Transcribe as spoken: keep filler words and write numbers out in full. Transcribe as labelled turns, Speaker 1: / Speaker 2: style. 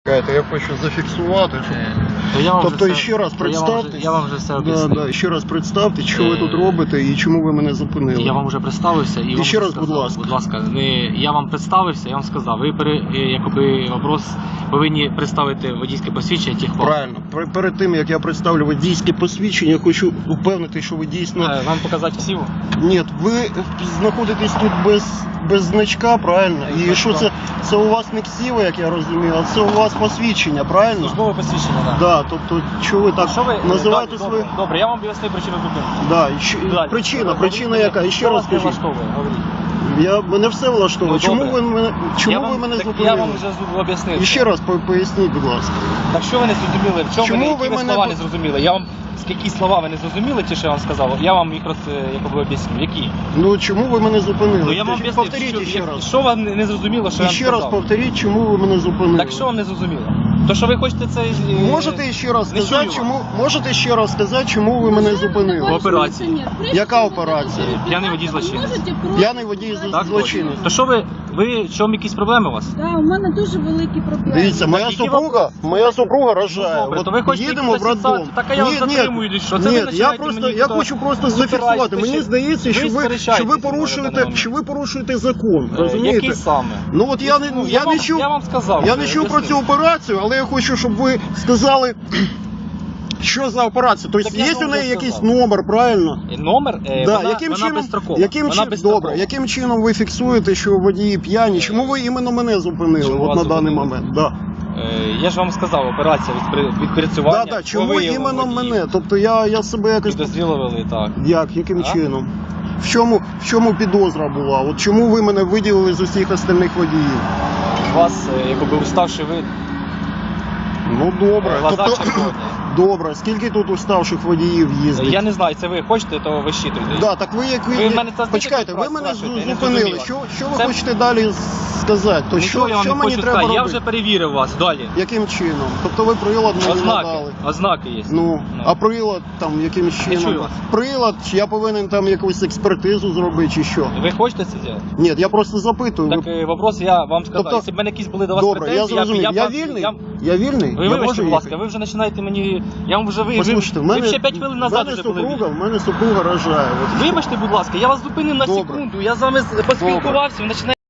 Speaker 1: Я хочу зафіксувати, щоб...
Speaker 2: То я вам
Speaker 1: Тобто
Speaker 2: вже
Speaker 1: ще раз
Speaker 2: все- я вам
Speaker 1: представте.
Speaker 2: вже- Я вам вже все
Speaker 1: Да,
Speaker 2: об'яснив.
Speaker 1: да, ще раз представте, що ви
Speaker 2: Е,
Speaker 1: тут робите і чому ви мене зупинили.
Speaker 2: Я вам вже представився і,
Speaker 1: І
Speaker 2: вам
Speaker 1: ще
Speaker 2: вже
Speaker 1: раз, будь
Speaker 2: сказав,
Speaker 1: ласка.
Speaker 2: Будь ласка, не, я вам представився, я вам сказав, ви пере, е, якоби вопрос повинні представити водійське посвідчення техпаспорт.
Speaker 1: Правильно. Пер- Перед тим, як я представлю водійське посвідчення, я хочу упевнити, що ви дійсно...
Speaker 2: Е, Вам показати всі?
Speaker 1: Ні, ви знаходитесь тут без, без значка, правильно?
Speaker 2: Без
Speaker 1: І що
Speaker 2: значка.
Speaker 1: це? Це у вас не ксива, як я розумію, а це у вас посвідчення, правильно?
Speaker 2: Службове посвідчення, так.
Speaker 1: Да, тобто, що ви так
Speaker 2: Що ви
Speaker 1: називаєте
Speaker 2: добре,
Speaker 1: свої...
Speaker 2: добре, добре, я вам об'яснив причину зупинки.
Speaker 1: Да, і що-
Speaker 2: Далі.
Speaker 1: причина,
Speaker 2: Говоріть
Speaker 1: причина
Speaker 2: мені,
Speaker 1: яка? І ще
Speaker 2: що
Speaker 1: раз
Speaker 2: вас не
Speaker 1: скажіть.
Speaker 2: влаштовує? Говоріть.
Speaker 1: Я, мене все влаштовує.
Speaker 2: Ну,
Speaker 1: чому
Speaker 2: добре.
Speaker 1: ви мене, чому
Speaker 2: Я
Speaker 1: ви
Speaker 2: вам-
Speaker 1: мене
Speaker 2: так
Speaker 1: зупинили?
Speaker 2: Я вам вже об'яснив.
Speaker 1: І ще раз по- поясніть, будь ласка.
Speaker 2: Так що ви не зрозуміли? В чому
Speaker 1: Чому
Speaker 2: ви,
Speaker 1: ви
Speaker 2: які ви
Speaker 1: мене
Speaker 2: слова
Speaker 1: по-
Speaker 2: не зрозуміли? Я вам які слова ви не зрозуміли, ті, що я вам сказав? Я вам їх роз, якоби об'ясню. Які?
Speaker 1: Ну чому ви мене зупинили?
Speaker 2: Ну я вам
Speaker 1: Скажіть,
Speaker 2: об'яснив,
Speaker 1: повторіть
Speaker 2: що,
Speaker 1: ще раз.
Speaker 2: що вам не не зрозуміло, що
Speaker 1: І
Speaker 2: я вам
Speaker 1: ще раз
Speaker 2: сказав?
Speaker 1: повторіть, чому ви мене зупинили.
Speaker 2: Так що вам не зрозуміло? То, що ви хочете це... е,
Speaker 1: Можете ще раз
Speaker 2: не
Speaker 1: сказати,
Speaker 2: чую
Speaker 1: чому можете ще раз сказати, чому ви мене зупинили?
Speaker 2: Операції.
Speaker 1: Яка операція?
Speaker 2: П'яний водій злочинець.
Speaker 1: П'яний водій
Speaker 2: Так,
Speaker 1: злочинець.
Speaker 2: То що ви, ви, в чому якісь проблеми у вас?
Speaker 3: Да, у мене дуже великі проблеми.
Speaker 1: Дивіться, моя
Speaker 2: які
Speaker 1: супруга, моя супруга рожає.
Speaker 2: Добре,
Speaker 1: От
Speaker 2: то ви хочете
Speaker 1: їдемо в
Speaker 2: якісь
Speaker 1: роддом.
Speaker 2: фіксації? Так, а я вас затримую, що? Це ви
Speaker 1: ні, я
Speaker 2: починаєте
Speaker 1: просто,
Speaker 2: мені
Speaker 1: я
Speaker 2: тут
Speaker 1: хочу просто
Speaker 2: запирати,
Speaker 1: зафіксувати.
Speaker 2: ви
Speaker 1: Мені
Speaker 2: ще-
Speaker 1: здається,
Speaker 2: ви
Speaker 1: що ви, що ви
Speaker 2: сперечаєтесь на
Speaker 1: порушуєте,
Speaker 2: даний
Speaker 1: що
Speaker 2: момент.
Speaker 1: ви порушуєте закон.
Speaker 2: Е,
Speaker 1: Розумієте?
Speaker 2: Який саме?
Speaker 1: Ну от я не,
Speaker 2: Ну,
Speaker 1: я
Speaker 2: вам,
Speaker 1: не чув,
Speaker 2: я вам сказав.
Speaker 1: я
Speaker 2: вже,
Speaker 1: не чув про
Speaker 2: об'яснив.
Speaker 1: цю операцію, але я хочу, щоб ви сказали, що за операція. Тобто
Speaker 2: Так я
Speaker 1: є
Speaker 2: вам
Speaker 1: у неї
Speaker 2: вже
Speaker 1: якийсь
Speaker 2: сказав.
Speaker 1: номер, правильно?
Speaker 2: Е, Номер, е,
Speaker 1: Да,
Speaker 2: вона,
Speaker 1: яким
Speaker 2: вона
Speaker 1: чином,
Speaker 2: безстрокова.
Speaker 1: яким
Speaker 2: вона
Speaker 1: чином,
Speaker 2: безстрокова.
Speaker 1: добре, яким чином ви фіксуєте, що водії п'яні? Чому ви іменно мене зупинили
Speaker 2: Чому
Speaker 1: от
Speaker 2: вас
Speaker 1: на даний
Speaker 2: зупинили?
Speaker 1: момент? Да.
Speaker 2: Е, я ж вам сказав, операція від, при- відпрацювання.
Speaker 1: Да, да, чому
Speaker 2: по вияву
Speaker 1: іменно
Speaker 2: водіїв.
Speaker 1: мене? Тобто я, я себе якось...
Speaker 2: Підозріло вели, так.
Speaker 1: Як, яким
Speaker 2: А?
Speaker 1: чином? В чому, в чому підозра була? От чому ви мене виділили з усіх остальних водіїв?
Speaker 2: У вас, е, якби уставший вид,
Speaker 1: Ну добре.
Speaker 2: глаза
Speaker 1: Тобто,
Speaker 2: червоні.
Speaker 1: добре, скільки тут уставших водіїв їздить?
Speaker 2: Я не знаю, це ви хочете, то ви щитуєте.
Speaker 1: Да, так ви як
Speaker 2: Ви в мене це
Speaker 1: почекайте, ви
Speaker 2: раз
Speaker 1: мене
Speaker 2: спрашуєте, я не
Speaker 1: зупинили.
Speaker 2: зрозуміла.
Speaker 1: Що, що ви
Speaker 2: Це-
Speaker 1: хочете далі сказати? То
Speaker 2: Нічого
Speaker 1: що,
Speaker 2: я вам
Speaker 1: що
Speaker 2: не
Speaker 1: мені
Speaker 2: хочу
Speaker 1: треба
Speaker 2: сказати. Я
Speaker 1: робити?
Speaker 2: вже перевірив вас. Далі.
Speaker 1: Яким чином? Тобто ви прилад мені
Speaker 2: Ознаки.
Speaker 1: надали.
Speaker 2: Ознаки є.
Speaker 1: Ну,
Speaker 2: Ну.
Speaker 1: а прилад там яким
Speaker 2: чую
Speaker 1: чином?
Speaker 2: вас.
Speaker 1: Прилад, чи я повинен там якусь експертизу зробити, чи що?
Speaker 2: Ви хочете це зробити?
Speaker 1: Ні, я просто запитую.
Speaker 2: Так,
Speaker 1: ви...
Speaker 2: е, вопрос я вам сказав.
Speaker 1: Тобто-
Speaker 2: Якщо б в мене якісь були до вас
Speaker 1: Добре, я
Speaker 2: претензії,
Speaker 1: зрозумів. Я,
Speaker 2: б- я, б-
Speaker 1: вільний?
Speaker 2: Я...
Speaker 1: Я вільний?
Speaker 2: Ви
Speaker 1: я
Speaker 2: вибачте,
Speaker 1: можу
Speaker 2: будь ласка,
Speaker 1: їхати?
Speaker 2: ви вже починаєте мені... Я вам вже... Ви,
Speaker 1: Послухайте, в
Speaker 2: ви,
Speaker 1: мене,
Speaker 2: ви ще п'ять хвилин назад
Speaker 1: в мене
Speaker 2: вже були.
Speaker 1: супруга, в мене супруга рожає. От.
Speaker 2: Вибачте, будь ласка, я вас зупинив на
Speaker 1: Добре.
Speaker 2: секунду. Я з вами поспілкувався, ви починаєте...